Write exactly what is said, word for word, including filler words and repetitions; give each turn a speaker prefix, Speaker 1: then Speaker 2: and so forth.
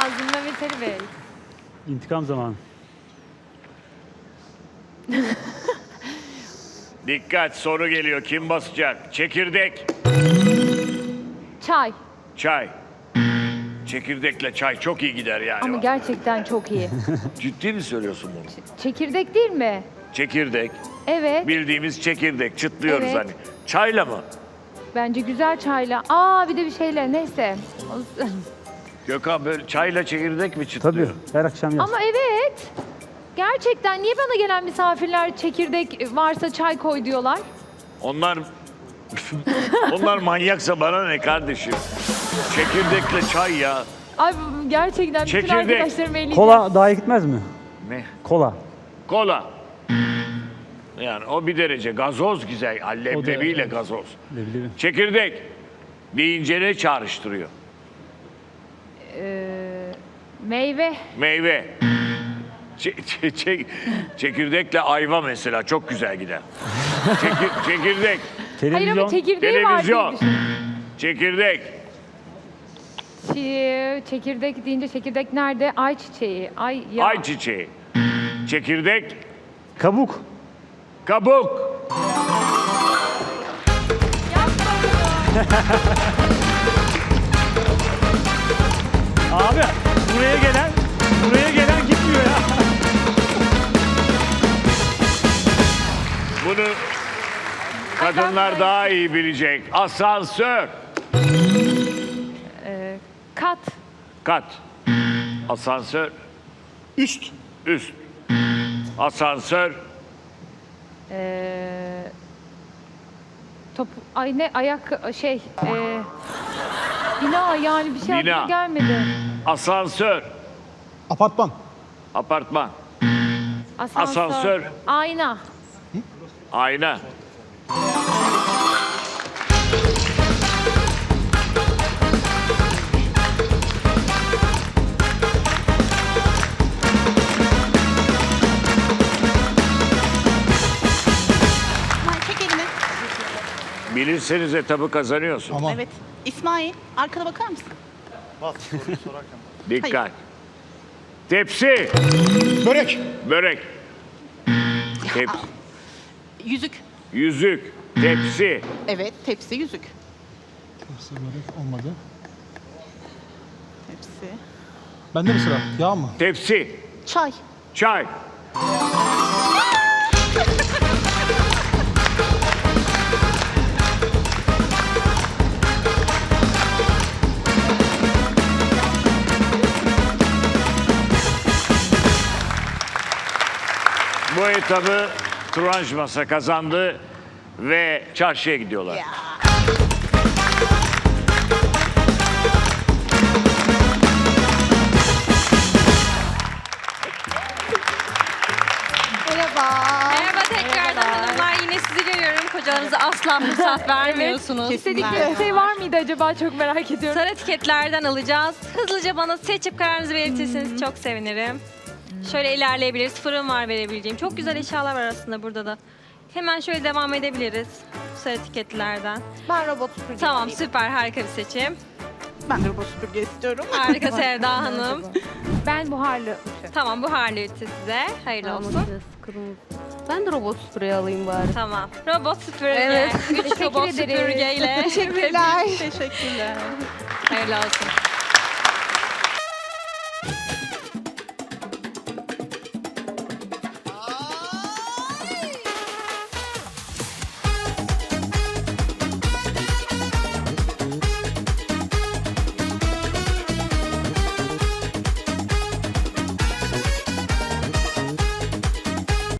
Speaker 1: lazım Mehmet Ali Bey.
Speaker 2: İntikam zamanı.
Speaker 3: Dikkat, soru geliyor. Kim basacak? Çekirdek,
Speaker 1: Çay.
Speaker 3: çay. Çekirdekle çay çok iyi gider yani.
Speaker 1: Ama gerçekten çok iyi.
Speaker 3: Ciddi mi söylüyorsun bunu?
Speaker 1: Çekirdek değil mi?
Speaker 3: Çekirdek.
Speaker 1: Evet.
Speaker 3: Bildiğimiz çekirdek. Çıtlıyoruz
Speaker 1: Evet.
Speaker 3: hani. Çayla mı?
Speaker 1: Bence güzel çayla. Aa bir de bir şeyle neyse.
Speaker 3: Gökhan böyle çayla çekirdek mi
Speaker 2: Tabii
Speaker 3: çıtlıyor?
Speaker 2: her akşam yaz.
Speaker 1: Ama evet. Gerçekten niye bana gelen misafirler çekirdek varsa çay koy diyorlar?
Speaker 3: Onlar onlar manyaksa bana ne kardeşim? Çekirdekle çay ya.
Speaker 1: Ay bu- gerçekten bütün
Speaker 3: Çekirdek.
Speaker 1: arkadaşlarım eleyeceğim.
Speaker 2: Kola daha iyi gitmez mi?
Speaker 3: Ne?
Speaker 2: Kola.
Speaker 3: Kola. Yani o bir derece. Gazoz güzel. Leblebiyle
Speaker 2: evet.
Speaker 3: gazoz.
Speaker 2: Leblebi.
Speaker 3: Çekirdek deyince ne çağrıştırıyor?
Speaker 1: Ee, meyve.
Speaker 3: Meyve. Çe- çe- çe- çekirdekle ayva mesela çok güzel gider. Çekir- çekirdek.
Speaker 1: Hayır
Speaker 2: Televizyon.
Speaker 1: ama çekirdeği var diye
Speaker 3: Televizyon.
Speaker 1: düşündüm.
Speaker 3: Çekirdek.
Speaker 1: Çi- Çekirdek deyince çekirdek nerede? Ay çiçeği. Ay ya.
Speaker 3: Ayçiçeği. Çekirdek.
Speaker 2: Kabuk.
Speaker 3: Kabuk.
Speaker 2: Abi buraya gelen, buraya gelen gitmiyor ya.
Speaker 3: Bunu kadınlar daha iyi bilecek. Asansör.
Speaker 1: Ee, kat.
Speaker 3: Kat. Asansör.
Speaker 4: Üst.
Speaker 3: Üst. Asansör.
Speaker 1: Ee, top. Ay ne ayak şey. E, bina yani bir şey
Speaker 3: Bina.
Speaker 1: aklıma gelmedi.
Speaker 3: Asansör.
Speaker 4: Apartman.
Speaker 3: Apartman.
Speaker 1: Asansör.
Speaker 3: Asansör.
Speaker 1: Ayna.
Speaker 3: Ayna.
Speaker 5: İsmail çek elini.
Speaker 3: Bilirseniz etabı kazanıyorsun.
Speaker 4: Tamam.
Speaker 5: Evet. İsmail arkana bakar mısın?
Speaker 3: Dikkat.
Speaker 5: Hayır.
Speaker 3: Tepsi.
Speaker 4: Börek.
Speaker 3: Börek. Tep
Speaker 5: Yüzük.
Speaker 3: yüzük. Tepsi.
Speaker 5: Evet tepsi yüzük.
Speaker 4: Tepsi börek olmadı.
Speaker 5: Tepsi.
Speaker 4: Bende mi sıra? Yağ mı?
Speaker 3: Tepsi.
Speaker 5: Çay.
Speaker 3: Çay. Bu etabı Turanj Masa kazandı ve çarşıya gidiyorlar.
Speaker 5: Ya. Merhaba.
Speaker 6: Merhaba tekrardan hanımlar. Yine sizi görüyorum. Kocalarınıza asla fırsat vermiyorsunuz.
Speaker 1: İstedikleri bir şey var mıydı acaba çok merak ediyorum.
Speaker 6: Sarı etiketlerden alacağız. Hızlıca bana seçip kararınızı belirtirseniz çok sevinirim. Şöyle ilerleyebiliriz. Fırın var verebileceğim. Çok güzel eşyalar var aslında burada da. Hemen şöyle devam edebiliriz. Sarı etiketlerden.
Speaker 5: Ben robot süpürge.
Speaker 6: Tamam
Speaker 5: isteyeyim.
Speaker 6: süper harika bir seçim.
Speaker 5: Ben de robot süpürge istiyorum.
Speaker 6: Harika Sevda Hanım.
Speaker 1: Ben buharlı.
Speaker 6: Tamam buharlı ütü size. Hayırlı olsun.
Speaker 7: Ben de robot süpürgeyi alayım bari.
Speaker 6: Tamam. Robot süpürge.
Speaker 7: Evet.
Speaker 6: Üç
Speaker 1: Teşekkür
Speaker 6: robot
Speaker 1: ederiz.
Speaker 6: süpürgeyle.
Speaker 5: Teşekkürler. Teşekkürler.
Speaker 6: Hayırlı olsun.